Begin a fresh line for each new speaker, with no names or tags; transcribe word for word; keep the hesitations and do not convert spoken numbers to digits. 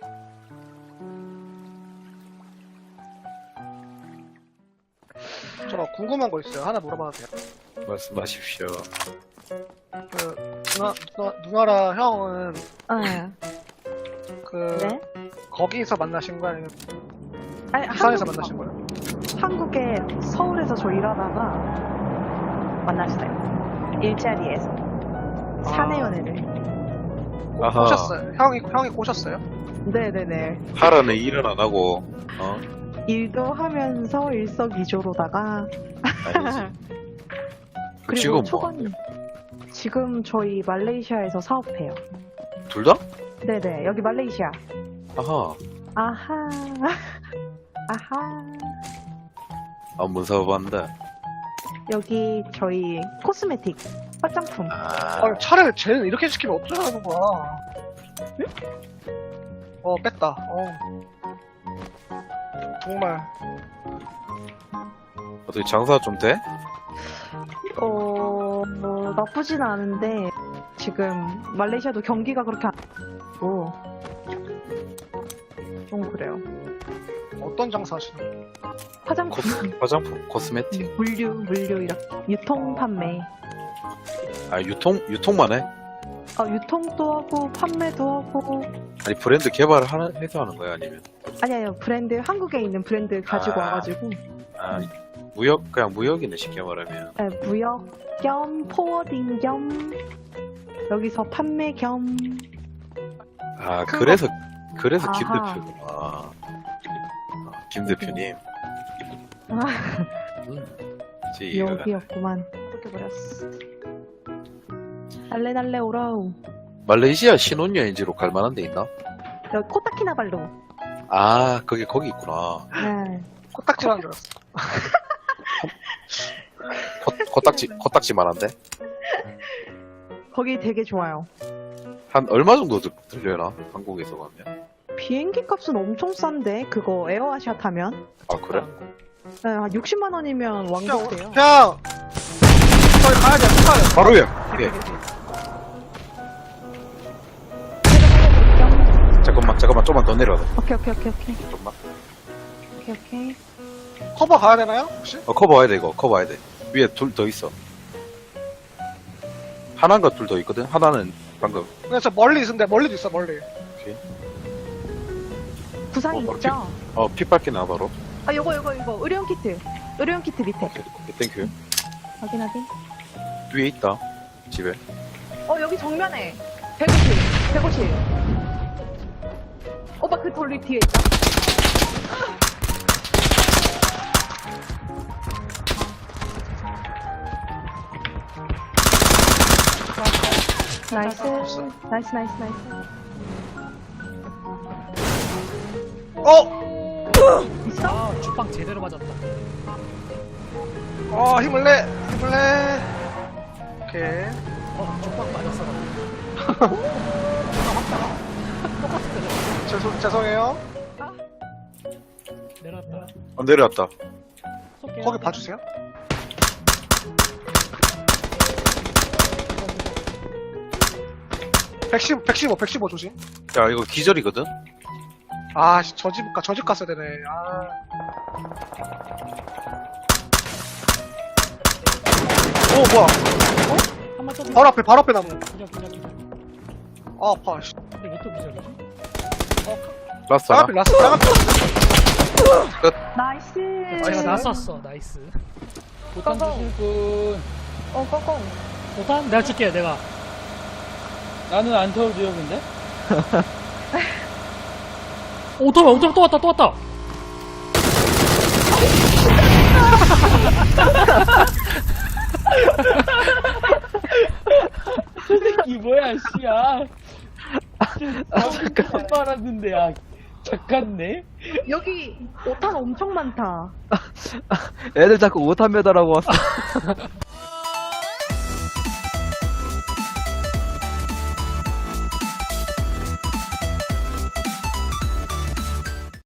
저 궁금한 거 있어요. 하나 물어봐도 돼요?
말씀하십시오.
그 누나, 누나 누나랑 형은
네.
그
네?
거기서 만나신 거야? 아니면
아니,
부산에서
한국-
만나신 거야?
한국에 서울에서 저 일하다가 만났어요. 일자리에서. 사내 연애를.
아하.
꼬셨어요? 형이 형이 꼬셨어요?
네네네.
하라는 일은 안 하고, 어?
일도 하면서 일석이조로다가
아니지.
그리고
지금 뭐?
초반 지금 저희 말레이시아에서 사업해요.
둘 다?
네네 여기 말레이시아.
아하.
아하 아하
안문 사업한다.
여기 저희 코스메틱 화장품.
아.
아, 차를 쟤는 이렇게 시키면 어쩌라는 거야? 어 뺐다. 어 정말
어떻게 장사 좀 돼?
어 뭐, 나쁘진 않은데 지금 말레이시아도 경기가 그렇게 안 좋고 좀 그래요.
어떤 장사 하시는 거예요?
화장품,
코스, 화장품, 코스메틱.
물류, 물류 이렇게 유통 판매.
아, 유통, 유통만 해?
어, 유통도 하고 판매도 하고.
아니, 브랜드 개발을 하는, 해서 하는 거야? 아니면?
아니 아니요 브랜드 한국에 있는 브랜드 가지고
아.
와가지고
아, 무역, 그냥 무역이네, 쉽게 말하면.
네, 무역 겸 포워딩 겸 여기서 판매 겸.
아, 그래서, 그래서 김
아하.
대표구나. 아, 김 대표님.
아,
음, 이제 이해가 가네.
여기였구만. 그렇게 버렸어. 달래 달래 오라우.
말레이시아 신혼여행지로 갈 만한 데 있나?
여기 코타키나발루.
아, 거기, 거기 있구나.
네.
코딱지라는 줄 알았어.
코, 코딱지, 코딱지만한데?
거기 되게 좋아요.
한 얼마 정도 들, 들려나? 한국에서 가면?
비행기 값은 엄청 싼데 그거 에어아시아 타면
아, 그래?
네, 한 육십만 원이면
형,
왕복돼요.
형 저기 가야 돼. 가야 돼.
바로야! 예. 잠깐만, 잠깐만, 좀만 더 내려가.
오케이 오케이 오케이 오케이
좀만.
오케이 오케이.
커버 가야 되나요? 혹시?
어, 커버 와야 돼, 이거. 커버 와야 돼. 위에 둘 더 있어. 하나인가 둘 더 있거든? 하나는 방금.
근데 저 멀리 있는데 멀리도 있어 멀리.
구상
어,
있죠?
어, 피 빨기나, 바로.
아 요거 요거 이거 의료용 키트. 의료용 키트 밑에.
오케이, 오케이, 땡큐.
확인 확인.
위에 있다. 집에.
어 여기 정면에 백오십 백오십. 오빠 그 돌리 뒤에 있다. 나이스 나이스 나이스 나이스.
어!
있어?
아, 주빵 제대로 맞았다.
어 힘을 내. 힘을 내. 오케이.
어, 주빵 맞았어.
죄송 죄송해요.
내려왔다.
어, 내려왔다.
쏠게요.
거기 봐주세요. 백십, 백십오, 백십오 조심.
야, 이거 기절이거든?
아, 씨, 저 집, 가, 저 집 갔어야 되네. 아. 오, 뭐야.
한번 더.
바로 앞에, 바로 앞에 나무.
기절, 기절, 기절.
아, 아파, 씨.
근데 왜 또 기절이지?
라스트
저
하나?
앞에 라스, 저 앞에.
나이스.
아, 제가 나쐈어. 나이스.
보탄 주실 분.
어 꺼꺼.
보탄? 내가 줄게, 내가.
나는 안 태워줘요, 근데?
오토바이, 오토바이 또 왔다, 또 왔다.
이 새끼 뭐야, 씨야. 아, 잠깐. 빨았는데, 아, 잠깐네?
여기 오탄 엄청 많다.
애들 자꾸 오탄 매달하고 왔어.